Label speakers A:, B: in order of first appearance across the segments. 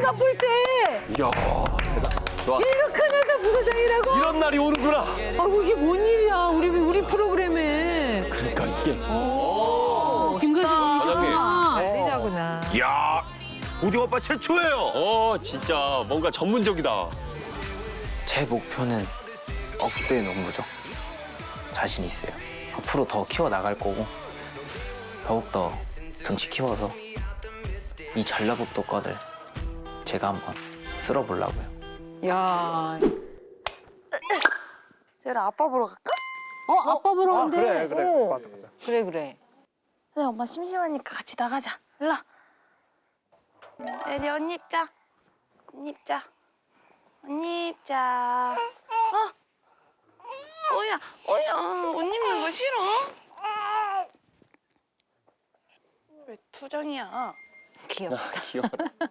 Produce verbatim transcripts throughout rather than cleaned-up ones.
A: 갑불세.
B: 이야, 좋아.
A: 이거 큰 회사 부서장이라고?
B: 이런 날이 오는구나.
A: 아이고 이게 뭔 일이야 우리 우리 프로그램에.
B: 그러니까 이게.
A: 김과장님.
C: 관리자구나.
D: 이야, 고딩 오빠 최초예요.
B: 어, 진짜 뭔가 전문적이다.
E: 제 목표는 억대 농부죠. 자신 있어요. 앞으로 더 키워 나갈 거고 더욱더 등치 키워서 이 전라북도 거들 제가 한번 쓸어보려고요.
C: 야.
F: 쟤랑 아빠 보러 갈까?
C: 어, 아빠 보러 간대.
G: 그래, 그래.
C: 어.
G: 맞아, 맞아.
C: 그래, 그래.
F: 근데 엄마 심심하니까 같이 나가자. 일로 와. 에리 언니 입자. 언니 입자. 언니 입자. 어? 어야, 어야, 옷 입는 거 싫어? 왜 투정이야?
C: 귀엽다.
B: 귀여워.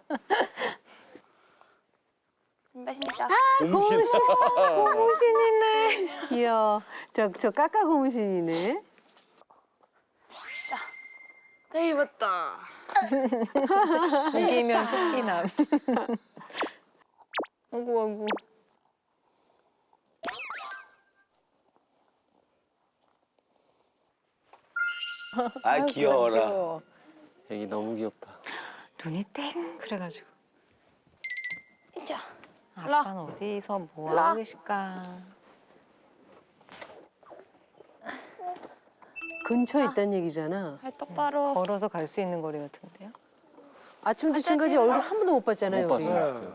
F: 신발 신자.
B: 고무신.
A: 고무신이네. 이야 저저 까까 고무신이네.
F: 네 입었다.
C: 이기면 토끼남. 아이고, 아이고.
D: 아, 귀여워라.
C: 귀여워.
B: 애기 너무 귀엽다.
C: 눈이 땡 그래가지고.
F: 인자.
C: 아빠는 어디서 뭐
F: 라.
C: 하고 계실까?
A: 근처에 있다는 얘기잖아.
F: 발 똑바로.
C: 걸어서 갈 수 있는 거리 같은데요?
A: 아침부터 지금까지 얼굴 한 번도 못 봤잖아요.
B: 못
A: 우리.
B: 봤어요.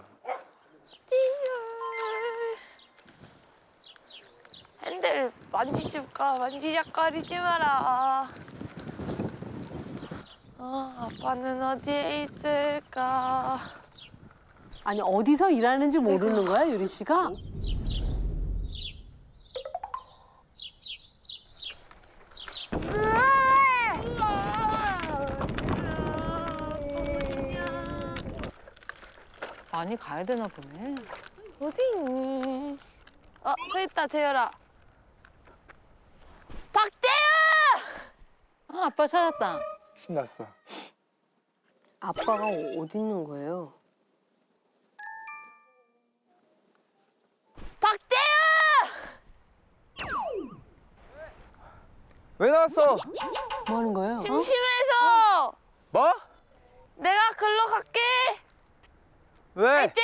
F: 핸들 만지지 마, 만지작거리지 마라. 어, 아빠는 어디에 있을까?
A: 아니 어디서 일하는지 모르는 거야 유리 씨가?
C: 많이 가야 되나 보네.
F: 어디 있니? 어, 저 있다, 재열아. 박재현!
C: 아, 아빠 찾았다.
G: 신났어.
A: 아빠가 어디 있는 거예요?
F: 박재현!
G: 왜 나왔어?
A: 뭐 하는 거예요? 어?
F: 심심해서
G: 뭐?
F: 내가 글로 갈게.
G: 왜?
F: 알지?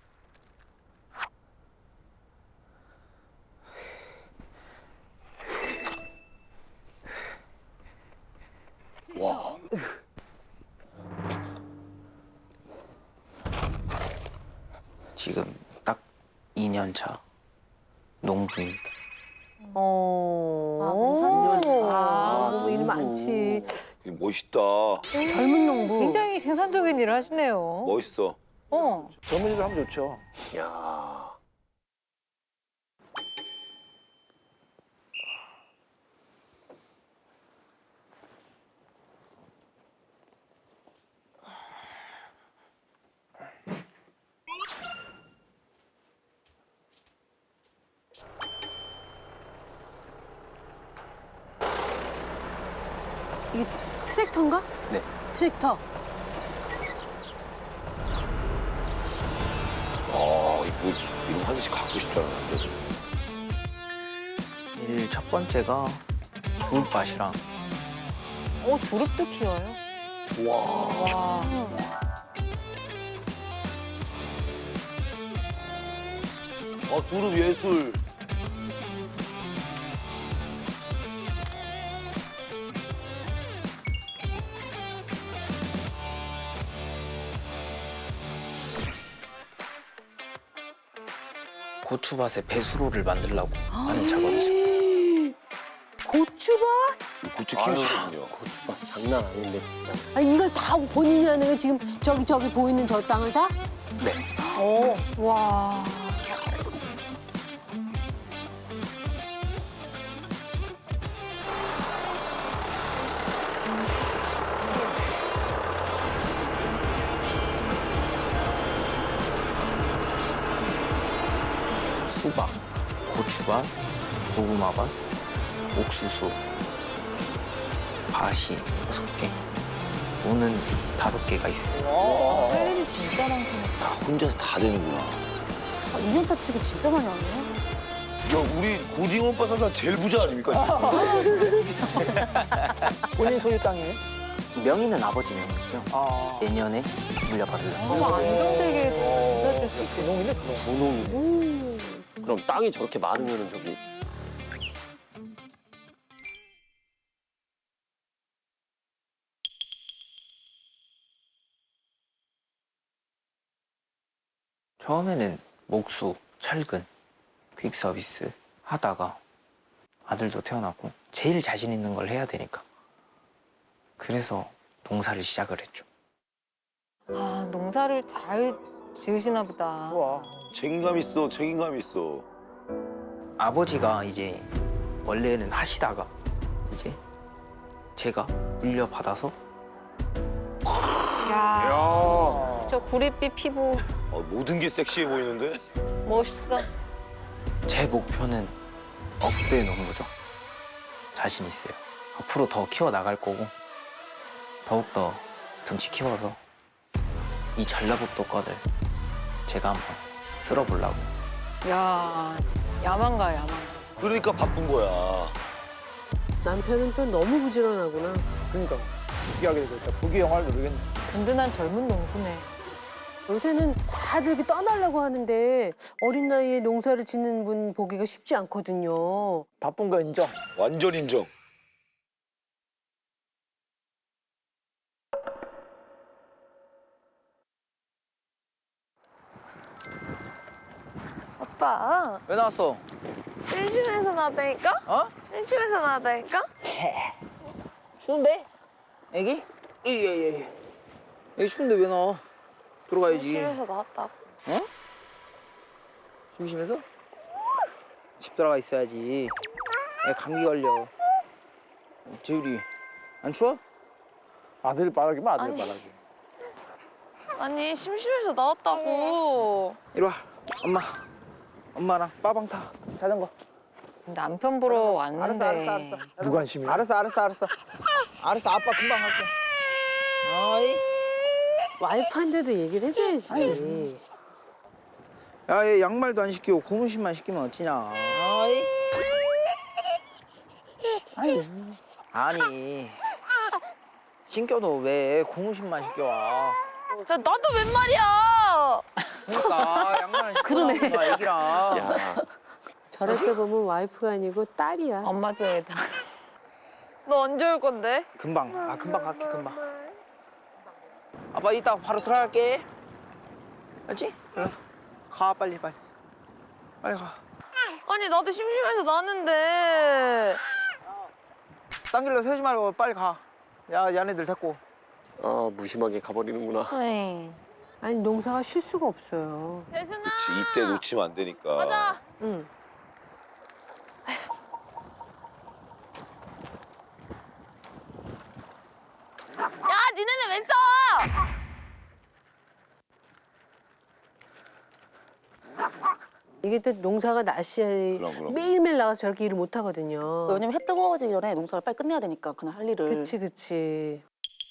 E: 지금 딱 이 년 차 농부입니다.
A: 어.
F: 아, 농사년.
A: 아, 농부 일 많지.
D: 멋있다.
A: 젊은 농부.
C: 굉장히 생산적인 일을 하시네요.
D: 멋있어.
C: 어.
G: 젊은 일을 하면 좋죠.
B: 야.
A: 이게 트랙터인가?
E: 네.
A: 트랙터.
D: 아, 이거 이런 하나씩 갖고 싶지 않았는데.
E: 일 첫 번째가 두릅밭이랑
C: 어, 두릅도 키워요?
D: 와.
C: 와.
D: 아, 두릅 예술.
E: 고추밭에 배수로를 만들려고 하는 작업이죠.
A: 고추밭?
D: 고추 키우시군요.
B: 고추가 장난 아닌데 진짜.
A: 아 이걸 다 본인이 하는 거 지금 저기 저기 보이는 저 땅을 다?
E: 네.
A: 오.
C: 와.
E: 수박, 고추밭, 고구마밭, 옥수수, 밭이 여섯 개, 무는 다섯 개가 있어요.
C: 할 일이 진짜 많구나.
D: 혼자서 다 되는구나.
F: 아, 이 년차 치고 진짜 많이 하네.
D: 야, 우리 고딩 오빠 사상 제일 부자 아닙니까?
G: 본인 소유 땅이에요?
E: 명의는 아버지 명의고요.
G: 아.
E: 내년에 물려받으려고.
C: 너무 안정되게 빌려줄 수 있게.
G: 분홍이네, 분홍.
B: 분홍이네. 그럼 땅이 저렇게 많으면은 저기
E: 처음에는 목수, 철근, 퀵 서비스 하다가 아들도 태어났고 제일 자신 있는 걸 해야 되니까 그래서 농사를 시작을 했죠.
C: 아, 농사를 잘 지으시나 보다.
G: 좋아.
D: 책임감 있어, 책임감 있어.
E: 아버지가 이제 원래는 하시다가 이제 제가 물려받아서
C: 야,
D: 야,
C: 저 구릿빛 피부
D: 어, 모든 게 섹시해 보이는데?
C: 멋있어.
E: 제 목표는 억대 농부죠. 자신 있어요. 앞으로 더 키워 나갈 거고 더욱더 등치 키워서 이 전라북도 거들 제가 한번 쓸어보려고.
C: 야, 야만가 야만.
D: 그러니까 바쁜 거야.
A: 남편은 또 너무 부지런하구나.
G: 그러니까 부귀하게 되겠다. 부귀 영화를 누리겠네.
C: 든든한 젊은 농부네.
A: 요새는 다들 이렇게 떠나려고 하는데 어린 나이에 농사를 짓는 분 보기가 쉽지 않거든요.
G: 바쁜 거 인정.
D: 완전 인정.
F: 오빠,
G: 왜 나왔어?
F: 일주일에서 나왔다니까?
G: 어?
F: 일주일에서 나왔다니까?
E: 추운데? 애기? 예예예. 애기 추운데 왜 나와? 들어가야지.
F: 일주일에서 나왔다고.
E: 심심해서? 집 들어가 있어야지. 애 감기 걸려. 재율이 안 추워?
G: 아들 바라기면 아들
F: 아니.
G: 바라기.
F: 아니, 심심해서 나왔다고.
E: 이리 와. 엄마. 엄마랑 빠방 타. 자전거.
C: 남편 보러 왔는데.
E: 알았어, 알았어, 알았어.
G: 무관심이야.
E: 알았어, 알았어, 알았어. 알았어, 아빠 금방 갈게. 아이.
A: 와이프한테도 얘기를 해줘야지.
E: 야, 얘 양말도 안 신기고 고무신만 신기면 어찌냐. 아이. 아니. 아니. 신겨도 왜 고무신만 신겨와.
F: 야, 나도 웬 말이야!
E: 그러니까 양말은 신고
A: 그러네.
E: 나오는 애기랑.
B: 야
A: 저렇게 보면 와이프가 아니고 딸이야.
C: 엄마도 애다.
F: 너 언제 올 건데?
E: 금방. 아, 금방 갈게, 금방. 아빠 이따가 바로 들어갈게. 알지? 응. 가, 빨리, 빨리. 빨리 가.
F: 아니, 나도 심심해서 나왔는데.
E: 딴 길로 세지 말고 빨리 가. 야, 얘네들 데리고.
B: 아, 무심하게 가버리는구나.
C: 에이.
A: 아니 농사가 쉴 수가 없어요.
F: 재순아!
D: 이때 놓치면 안 되니까.
F: 가자!
A: 응.
F: 야, 니네는 왜 싸워?
A: 이게 또 농사가 날씨에
D: 그럼, 그럼.
A: 매일매일 나가서 저렇게 일을 못 하거든요.
H: 왜냐면 해 뜨거워지기 전에 농사를 빨리 끝내야 되니까 그냥 할 일을.
A: 그치 그치.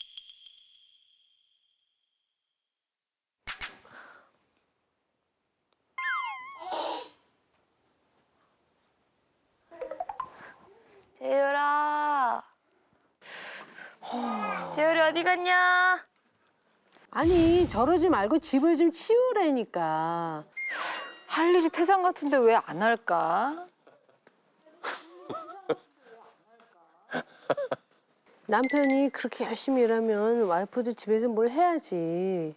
F: 재율아. 재율이 어디 갔냐?
A: 아니 저러지 말고 집을 좀 치우라니까.
C: 할 일이 태산 같은데 왜 안 할까?
A: 남편이 그렇게 열심히 일하면 와이프도 집에서 뭘 해야지.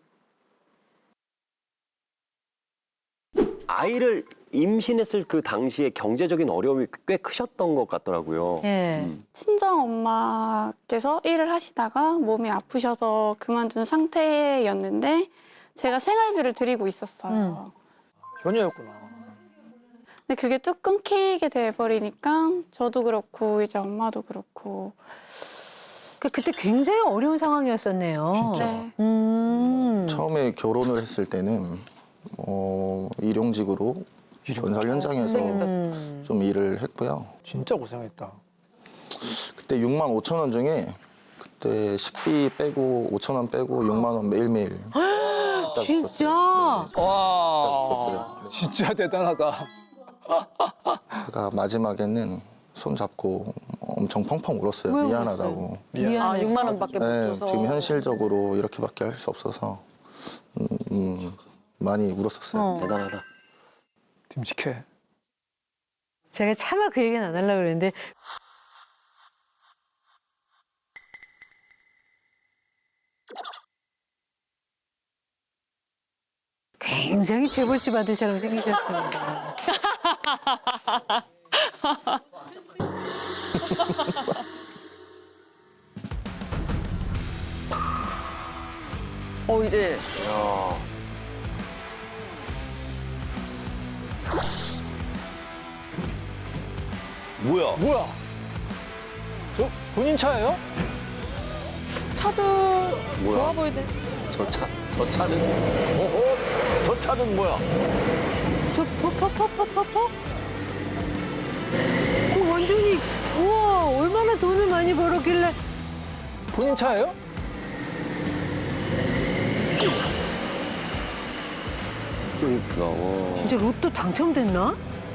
B: 아이를 임신했을 그 당시에 경제적인 어려움이 꽤 크셨던 것 같더라고요.
C: 예.
I: 친정 엄마께서 일을 하시다가 몸이 아프셔서 그만둔 상태였는데 제가 생활비를 드리고 있었어요.
G: 효녀였구나.
I: 근데 그게 뚝 끊기게 돼버리니까 저도 그렇고 이제 엄마도 그렇고.
A: 그 그때 굉장히 어려운 상황이었었네요.
G: 진짜.
I: 네.
A: 음.
J: 처음에 결혼을 했을 때는 어, 일용직으로 건설 현장에서
A: 음.
J: 좀 일을 했고요.
G: 진짜 고생했다.
J: 그때 육만 오천 원 중에 그때 식비 빼고 오천 원 빼고 육만 원 매일매일 딱
A: 진짜?
J: 있었어요. 네,
G: 와.
J: 있었어요.
G: 진짜 대단하다.
J: 제가 마지막에는 손 잡고 엄청 펑펑 울었어요.
A: 왜
J: 미안하다고.
A: 미안해서.
H: 아, 육만 원밖에 못
J: 네,
H: 줘서.
J: 지금 현실적으로 이렇게밖에 할 수 없어서 음, 음, 많이 울었었어요.
A: 어.
B: 대단하다.
G: 듬직해.
A: 제가 차마 그 얘기는 안 하려고 그랬는데 굉장히 재벌집 아들처럼 생기셨습니다.
H: 어, 이제
B: 야.
D: 뭐야?
G: 뭐야? 저 본인 차예요?
H: 차도
B: 뭐야?
H: 좋아 보이네.
B: 저 차, 저 차는, 어허, 저 차는 뭐야?
A: 저 퍼퍼퍼퍼퍼퍼? 그 완전히 우와 얼마나 돈을 많이 벌었길래
G: 본인 차예요?
B: 좀 이쁘다. 와.
A: 진짜 로또 당첨됐나?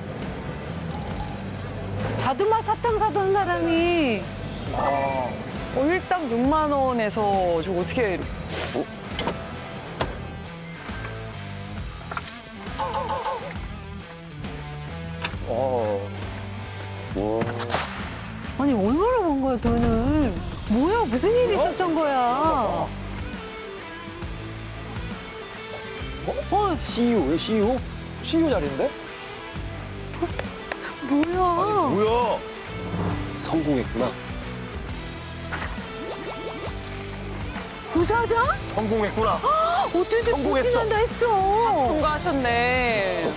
A: 자두맛 사탕 사던 사람이
H: 어, 일당 육만 원에서 저 어떻게
B: 어. 와.
A: 아니 얼마나 번 거야 돈을? 뭐야 무슨 일이 있었던 거야? 어
B: 씨이오예요, 씨이오?
G: 씨이오 자리인데?
A: 뭐야?
D: 뭐야?
B: 성공했구나.
A: 부자자?
B: 성공했구나.
A: 어쩐지
B: 성공했어.
A: 부진한다 했어.
H: 통과하셨네.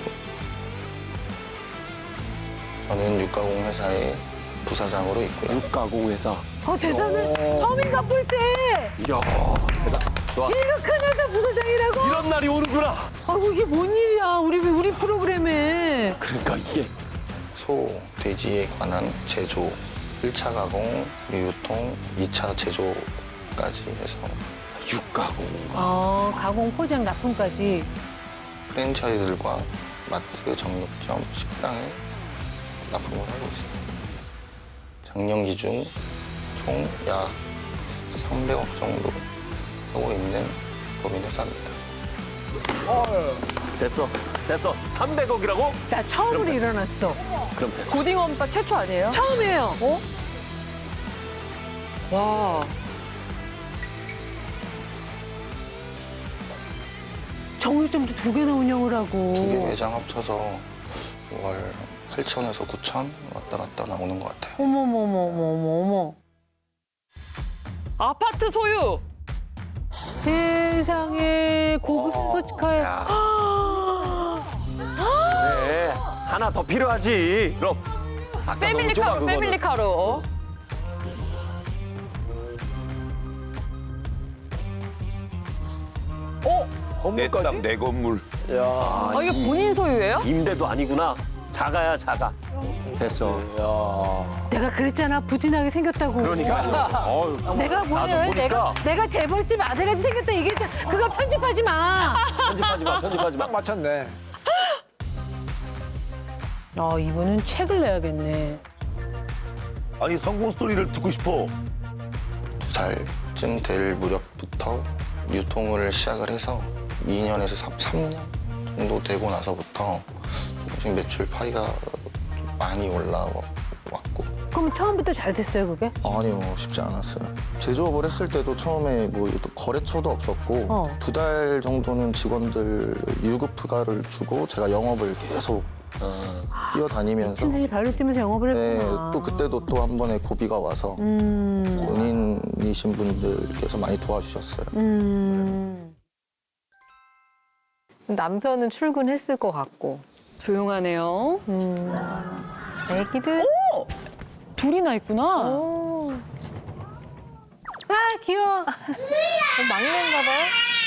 J: 저는 육가공 회사의 부사장으로 있고요.
B: 육가공 회사.
A: 어 대단해. 서민갑불세.
B: 이야, 대단. 와,
A: 이렇게 큰 회사 부사장이라고?
B: 이런 날이 오는구나.
A: 아이고 이게 뭔 일이야 우리 우리 프로그램에.
B: 그러니까 이게.
J: 소, 돼지에 관한 제조, 일 차 가공, 유통, 이 차 제조까지 해서
B: 육가공.
A: 어 가공 포장 납품까지.
J: 프랜차이즈들과 마트, 정육점, 식당에 납품을 하고 있습니다. 작년 기준 총 약 삼백억 정도 하고 있는 법인 회사입니다.
B: 됐어, 됐어. 삼백억이라고?
A: 나 처음으로 일어났어.
B: 그럼 됐어.
H: 고딩원바 최초 아니에요?
A: 처음이에요. 어?
H: 와.
A: 정육점도 두 개나 운영을 하고.
J: 두 개 매장 합쳐서 월 팔천에서 구천 왔다 갔다 나오는 것 같아요.
A: 어머머머머머머.
H: 아파트 소유.
A: 세상에 고급 스포츠카에.
B: 그래, 하나 더 필요하지. 그럼. 아까 너무 좁아,
H: 패밀리카로,
B: 그거는.
H: 패밀리카로.
B: 어?
D: 내
B: 건물까지?
D: 땅 내 건물.
B: 야,
H: 아, 이게 본인 소유예요?
B: 임대도 아니구나. 자가야, 자가. 됐어.
G: 야.
A: 내가 그랬잖아 부진하게 생겼다고.
B: 그러니까. 어휴,
A: 내가 뭐야?
B: 나도 보니까.
A: 내가 내가 재벌집 아들같이 생겼다 얘기했잖아. 그거 편집하지 마.
B: 편집하지 마, 편집하지 마.
G: 딱 맞췄네.
A: 아 이분은 책을 내야겠네.
D: 아니 성공 스토리를 듣고 싶어.
J: 두 살쯤 될 무렵부터 유통을 시작을 해서 이 년에서 삼 년 정도 되고 나서부터 조금씩 매출 파이가 많이 올라왔고.
A: 그럼 처음부터 잘 됐어요 그게?
J: 아니요, 쉽지 않았어요. 제조업을 했을 때도 처음에 뭐 거래처도 없었고
A: 어.
J: 두 달 정도는 직원들 유급 휴가를 주고 제가 영업을 계속 뛰어다니면서
A: 미친 듯이 발로 뛰면서 영업을
J: 네,
A: 했구나.
J: 또 그때도 또 한 번에 고비가 와서
A: 음.
J: 은인이신 분들께서 많이 도와주셨어요.
A: 음.
C: 남편은 출근했을 것 같고.
H: 조용하네요.
C: 애기들.
H: 둘이나 있구나.
A: 아 귀여워.
C: 어, 막내인가 봐요?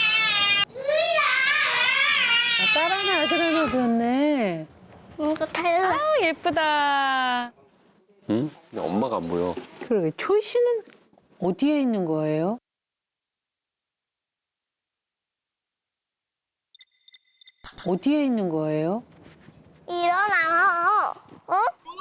A: 아, 딸 하나 아들 하나 줬네.
H: 아, 예쁘다.
B: 응? 근데 엄마가 안 보여.
A: 그러게 초이 씨는 어디에 있는 거예요? 어디에 있는 거예요?
F: 일어나. 어?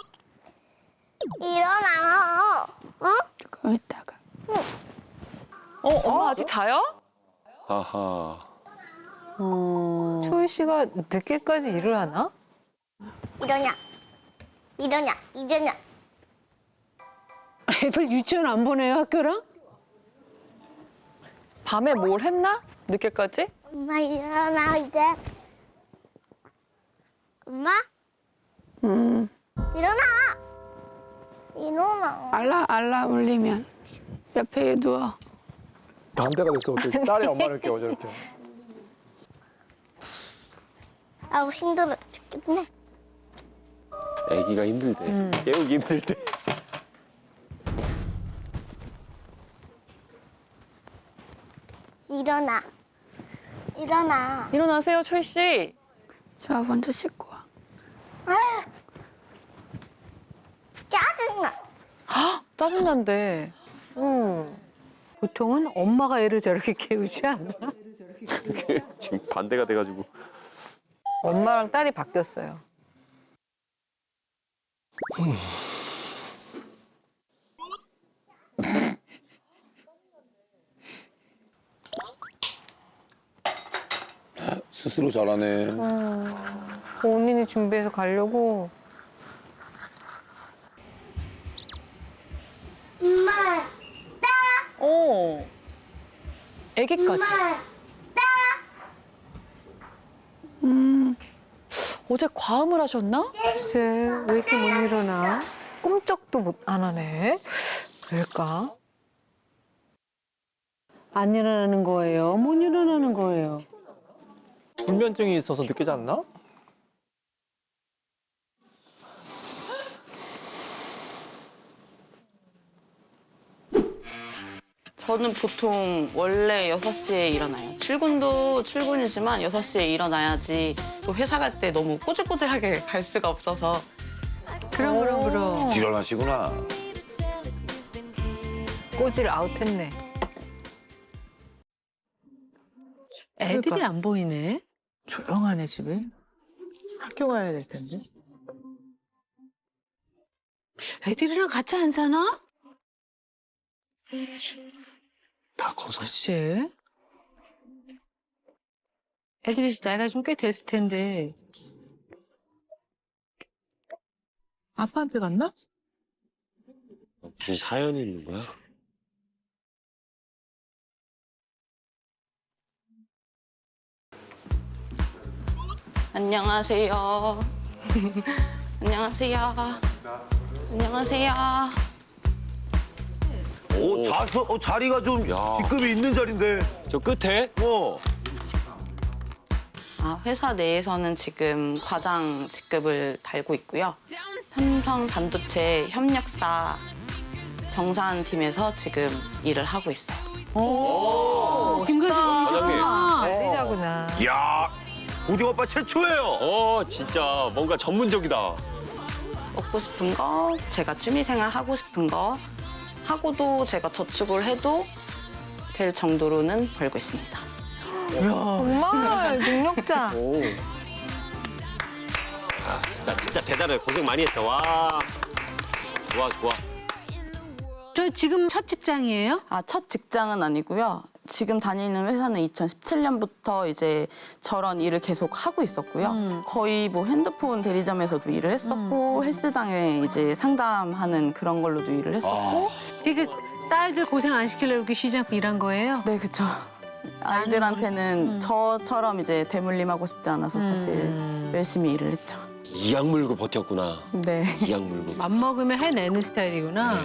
F: 일어나. 어?
I: 그럼 이따가.
H: 어, 엄마 아직 자요?
D: 하하.
A: 어...
C: 초이 씨가 늦게까지 일을 하나?
F: 일어나. 일어나. 일어나.
A: 애들 유치원 안 보내요, 학교랑?
H: 밤에 뭘 했나? 늦게까지?
F: 엄마 일어나 이제. 엄마?
I: 음,
F: 일어나. 일어나.
I: 알람, 알람 울리면 옆에 누워.
G: 반대가 됐어. 어떻게 딸이 엄마를 깨워 저렇게.
F: 아우 힘들어 죽겠네.
B: 애기가 힘들대. 깨우기 힘들대.
F: 일어나. 일어나.
H: 일어나세요, 초이 씨.
I: 저 먼저 씻고 와.
F: 아유. 짜증나.
H: 짜증난데.
A: 응. 보통은 엄마가 애를 저렇게 깨우지 않아?
B: 지금 반대가 돼가지고.
C: 엄마랑 딸이 바뀌었어요.
D: 스스로 잘하네.
C: 본인이 준비해서 가려고.
F: 엄마.
H: 어. 애기까지. 음. 어제 과음을 하셨나?
A: 글쎄, 왜 이렇게 못 일어나?
C: 꿈쩍도 못 안 하네. 왜일까?
A: 안 일어나는 거예요? 못 일어나는 거예요?
G: 불면증이 있어서 늦게 잤나?
K: 저는 보통 원래 여섯 시에 일어나요. 출근도 출근이지만 여섯 시에 일어나야지 또 회사 갈 때 너무 꼬질꼬질하게 갈 수가 없어서.
A: 그럼, 그럼, 그럼.
D: 일어나시구나.
C: 꼬질 아웃했네.
A: 애들이 안 보이네.
E: 조용하네 집에. 학교 가야 될 텐데.
A: 애들이랑 같이 안 사나?
J: 다 커서.
A: 글쎄. 애들이 나이가 좀 꽤 됐을 텐데.
E: 아빠한테 갔나?
B: 무슨 사연이 있는 거야?
K: 안녕하세요. 안녕하세요. 안녕하세요.
D: 오, 자서, 어, 자리가 좀
B: 야.
D: 뒷급이 있는 자리인데.
B: 저 끝에?
D: 어.
K: 아, 회사 내에서는 지금 과장 직급을 달고 있고요. 삼성 반도체 협력사 정산팀에서 지금 일을 하고 있어요.
A: 오, 김과장.
B: 과장님.
C: 관리자구나.
D: 이야, 고딩 오빠 최초예요.
B: 어, 진짜 뭔가 전문적이다.
K: 먹고 싶은 거, 제가 취미생활 하고 싶은 거 하고도 제가 저축을 해도 될 정도로는 벌고 있습니다.
C: 정말 능력자.
B: 오. 아, 진짜, 진짜 대단해. 고생 많이 했어. 와. 좋아, 좋아.
A: 저 지금 첫 직장이에요?
K: 아, 첫 직장은 아니고요. 지금 다니는 회사는 이천십칠 년부터 이제 저런 일을 계속 하고 있었고요.
A: 음.
K: 거의 뭐 핸드폰 대리점에서도 일을 했었고 헬스장에 이제 상담하는 그런 걸로도 일을 했었고.
A: 되게 딸들 고생 안 시키려고 이렇게 시장 일한 거예요?
K: 네, 그렇죠. 아이들한테는 저처럼 이제 대물림하고 싶지 않아서 사실
A: 음.
K: 열심히 일을 했죠.
B: 이악 물고 버텼구나.
K: 네.
B: 이악 물고.
A: 맘먹으면 해내는 스타일이구나.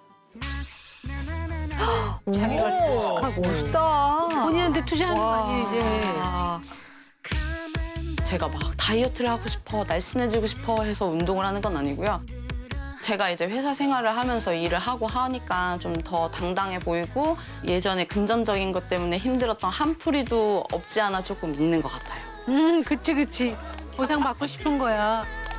A: 자기가
C: 오, 멋있다.
A: 본인한테 투자하는 거 아니에요, 이제.
C: 와.
K: 제가 막 다이어트를 하고 싶어, 날씬해지고 싶어 해서 운동을 하는 건 아니고요. 제가 이제 회사 생활을 하면서 일을 하고 하니까 좀 더 당당해 보이고 예전에 금전적인 것 때문에 힘들었던 한풀이도 없지 않아 조금 있는 것 같아요.
A: 음, 그치, 그치. 보상받고 싶은 거야.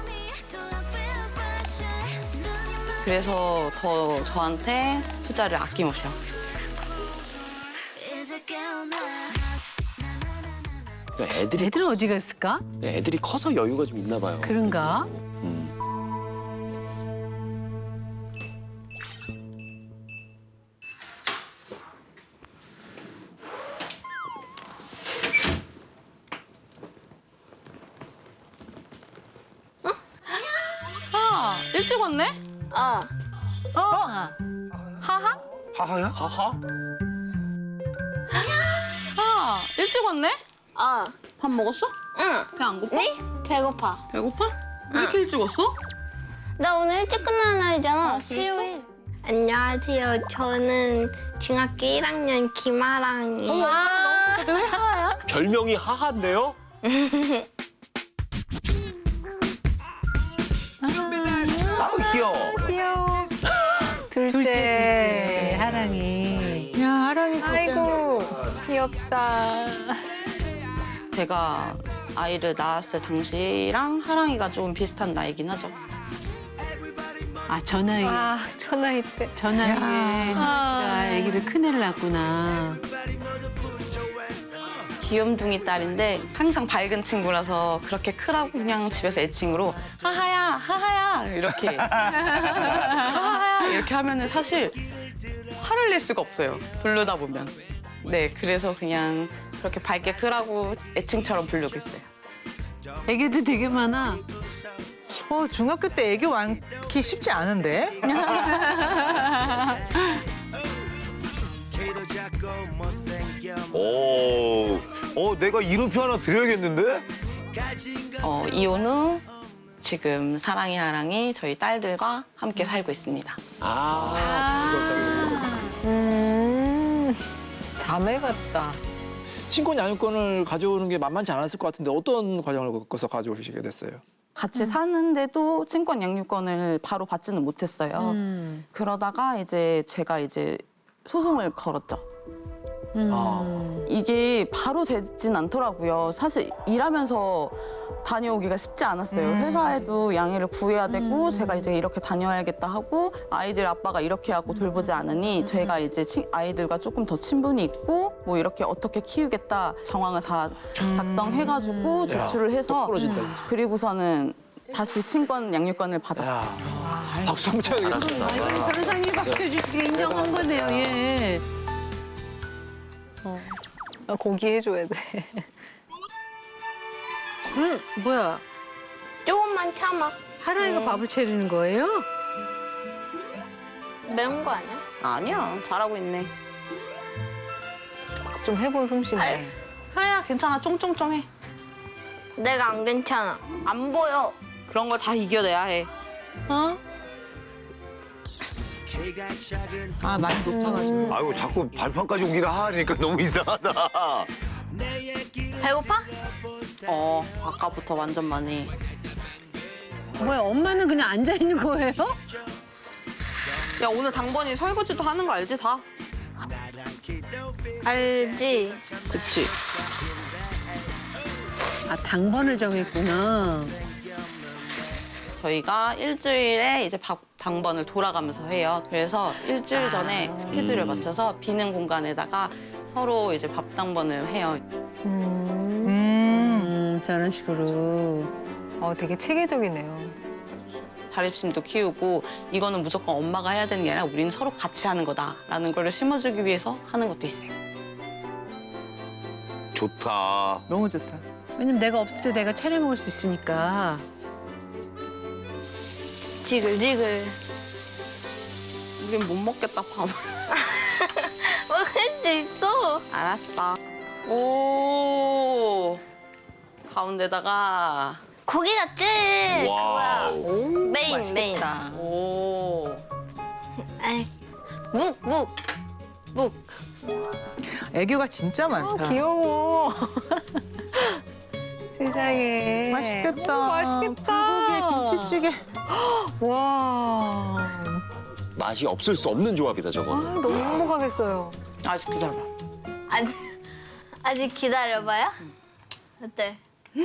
K: 그래서 더 저한테 투자를 아낌없이 하고 있어요.
B: 그러니까 애들이
A: 애들은 어디 갔을까?
B: 애들이 커서 여유가 좀 있나 봐요.
A: 그런가?
B: 음.
K: 아, 일찍 왔네?
F: 어.
C: 어? 하하?
D: 하하야?
B: 하하?
K: 아, 일찍 왔네?
F: 어.
K: 밥 먹었어?
F: 응.
K: 배 안 고파?
F: 네? 배고파.
K: 배고파? 왜 이렇게 일찍 왔어?
F: 나 오늘 일찍 끝나는 날이잖아. 수요일. 안녕하세요. 저는 중학교 일 학년 김아랑이에요.
K: 왜 하야?
B: 별명이 하하인데요?
D: 아우 귀여워.
C: 귀여워. 둘째.
A: 둘째 하랑이.
E: 야, 하랑이 진짜.
C: 아이고, 귀엽다.
K: 제가 아이를 낳았을 당시랑 하랑이가 좀 비슷한 나이긴 하죠.
A: 아, 저 나이에,
C: 아, 저 나이 때.
A: 저 나이에
C: 아.
A: 하랑이가 아기를 큰애를 낳았구나.
K: 귀염둥이 딸인데 항상 밝은 친구라서 그렇게 크라고 그냥 집에서 애칭으로 하하야, 하하야 이렇게 하하야 이렇게 하면은 사실 화를 낼 수가 없어요. 부르다 보면. 네, 그래서 그냥 그렇게 밝게 크라고 애칭처럼 부르고 있어요.
A: 애기도 되게 많아.
E: 어, 중학교 때 애교 많기 쉽지 않은데?
D: 오, 어 내가 이름표 하나 드려야겠는데?
K: 어, 이혼 후 지금 사랑이 하랑이 저희 딸들과 함께 살고 있습니다.
B: 아.
C: 음, 자매 같다.
G: 친권 양육권을 가져오는 게 만만치 않았을 것 같은데 어떤 과정을 거쳐서 가져오시게 됐어요?
K: 같이 사는데도 친권 양육권을 바로 받지는 못했어요.
A: 음.
K: 그러다가 이제 제가 이제 소송을 걸었죠.
A: 음.
G: 아.
K: 이게 바로 되진 않더라고요. 사실 일하면서 다녀오기가 쉽지 않았어요.
A: 음.
K: 회사에도 양해를 구해야 되고 제가 이제 이렇게 다녀야겠다 하고 아이들 아빠가 이렇게 하고 돌보지 않으니
A: 음.
K: 제가 이제 친- 아이들과 조금 더 친분이 있고 뭐 이렇게 어떻게 키우겠다 정황을 다 작성해가지고
G: 야,
K: 제출을 해서
G: 부러진다, 진짜.
K: 그리고서는 다시 친권 양육권을 받았어요.
G: 야, 박수 한번 쳐야 되겠다.
A: 아, 이거는 변호사님이 박수 주시게 인정한 거네요, 예.
C: 아, 고기 해줘야 돼.
A: 응, 뭐야.
F: 조금만 참아.
A: 하랑이가 밥을 차리는 거예요?
F: 매운 거 아니야?
K: 아니야, 잘하고 있네.
C: 좀 해본 솜씨네.
K: 하야, 괜찮아, 쫑쫑쫑해.
F: 내가 안 괜찮아. 안 보여.
K: 그런 걸 다 이겨내야 해.
C: 어?
E: 아, 많이 높아가지고.
D: 아이고 자꾸 발판까지 오기를 하니까 너무 이상하다.
F: 배고파?
K: 어, 아까부터 완전 많이.
A: 뭐야, 엄마는 그냥 앉아있는 거예요?
K: 야, 오늘 당번이 설거지도 하는 거 알지, 다?
F: 알지.
K: 그치.
A: 아, 당번을 정했구나.
K: 저희가 일주일에 이제 밥 당번을 돌아가면서 해요. 그래서 일주일 전에 스케줄을 맞춰서 비는 공간에다가 서로 이제 밥 당번을 해요.
A: 음,
E: 음.
A: 음, 저런 식으로.
C: 어, 되게 체계적이네요.
K: 자립심도 키우고 이거는 무조건 엄마가 해야 되는 게 아니라 우리는 서로 같이 하는 거다라는 걸 심어주기 위해서 하는 것도 있어요.
D: 좋다.
E: 너무 좋다.
A: 왜냐면 내가 없을 때 내가 차려 먹을 수 있으니까.
F: 지글지글.
K: 우린 못 먹겠다, 밥을.
F: 먹을 수 있어.
K: 알았어. 오. 가운데다가
F: 고기 같지?
D: 와우.
F: 메인, 메인.
K: 오.
F: 에이. 묵, 묵. 묵.
E: 애교가 진짜 많다.
C: 귀여워. 세상에.
E: 맛있겠다.
C: 오, 맛있겠다.
E: 불고기에 김치찌개.
C: 와.
B: 맛이 없을 수 없는 조합이다,
C: 아,
B: 저거는.
C: 너무 행복하겠어요.
K: 아직 기다려봐.
F: 아직, 아직 기다려봐요. 어때?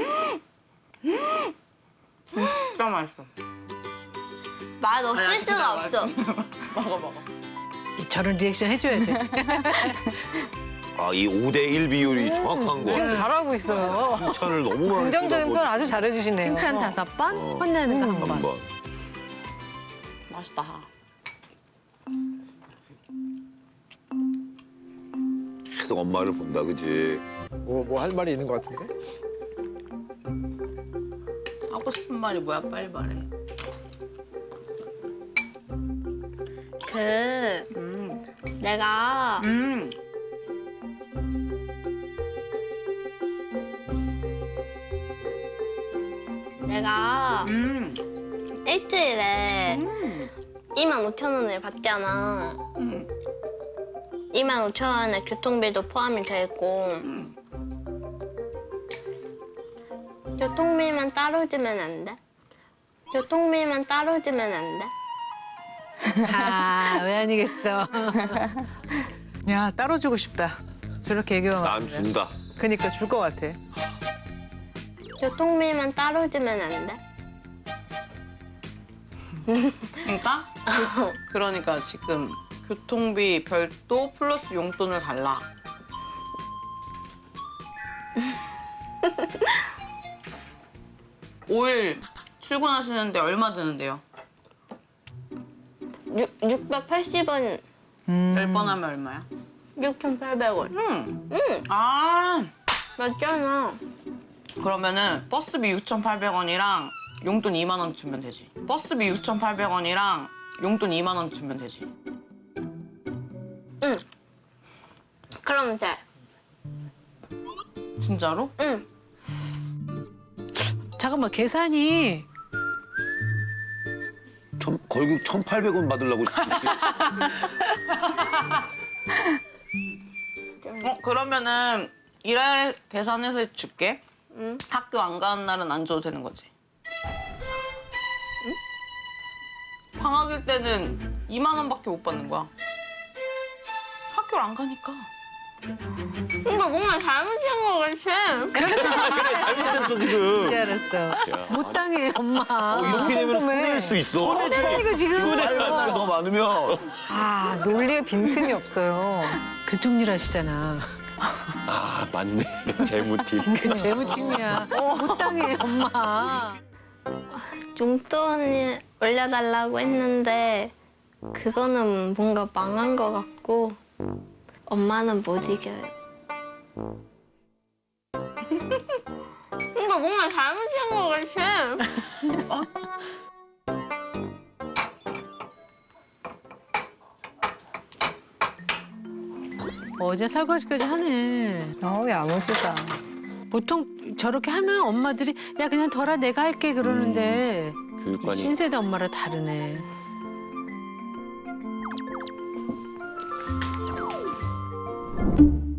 K: 진짜 맛있어.
F: 맛 없을 수가 없어.
K: 먹어, 먹어.
A: 저런 리액션 해줘야 돼.
D: 아, 이 오 대 일 비율이 정확한 거.
H: 지금 잘하고 있어요.
D: 칭찬을 너무 많이
H: 긍정적인
D: 쏟아붓-
H: 표현 아주 잘해주시네요.
A: 칭찬 다섯 번, 혼내는 거 한 번.
D: 한 번.
K: 맛있다.
D: 계속 엄마를 본다, 그지?
G: 뭐 뭐 할 말이 있는 것 같은데?
K: 하고 싶은 말이 뭐야? 빨리 말해.
F: 그
K: 음.
F: 내가
K: 음.
F: 내가
K: 음.
F: 일주일에
K: 음.
F: 이만 오천 원을 받잖아.
K: 음.
F: 이만 오천 원에 교통비도 포함이 돼 있고
K: 음.
F: 교통비만 따로 주면 안 돼? 교통비만 따로 주면 안 돼?
A: 아, 왜 아니겠어.
E: 야, 따로 주고 싶다. 저렇게 얘기하면.
D: 난 준다.
E: 그니까 줄 것 같아.
F: 교통비만 따로 주면 안 돼?
K: 그러니까? 그, 그러니까 지금 교통비 별도 플러스 용돈을 달라. 오 일 출근하시는데 얼마 드는데요?
F: 육, 육백팔십 원,
K: 열 번 하면 얼마야?
F: 육천팔백 원.
K: 응.
F: 응,
K: 아,
F: 맞잖아.
K: 그러면은 버스비 육천팔백 원이랑 용돈 이만 원 주면 되지. 버스비 육천팔백 원이랑 용돈 이만 원 주면 되지.
F: 응. 그럼 돼.
K: 진짜로?
F: 응.
A: 잠깐만, 계산이.
D: 천, 결국 천팔백 원 받으려고.
K: 어, 그러면은 일할 계산해서 줄게.
F: 응.
K: 학교 안 가는 날은 안 줘도 되는 거지. 응? 방학일 때는 이만 원밖에 못 받는 거야. 학교를 안 가니까.
F: 이거 뭔가 잘못된 거 같아.
D: 잘못했어, 지금.
A: 이제 알았어. 못 당해, 엄마.
D: 어, 이렇게 되면 손해일 수 있어.
A: 손해라니까 지금.
D: 손해할 날이 더 많으면.
H: 아, 논리에 빈틈이 없어요.
A: 그쪽 일 하시잖아.
D: 아, 맞네. 재무팀.
A: 그 재무팀이야. 못 당해, 엄마.
F: 용돈을 올려달라고 했는데 그거는 뭔가 망한 거 같고 엄마는 못 이겨요. 이거 뭔가 잘못된 거 같아.
A: 어제 설거지까지 하네.
H: 어, 야무지다.
A: 보통 저렇게 하면 엄마들이 야 그냥 덜어 내가 할게 그러는데
B: 교육관이
A: 신세대 엄마랑 다르네.
F: 음.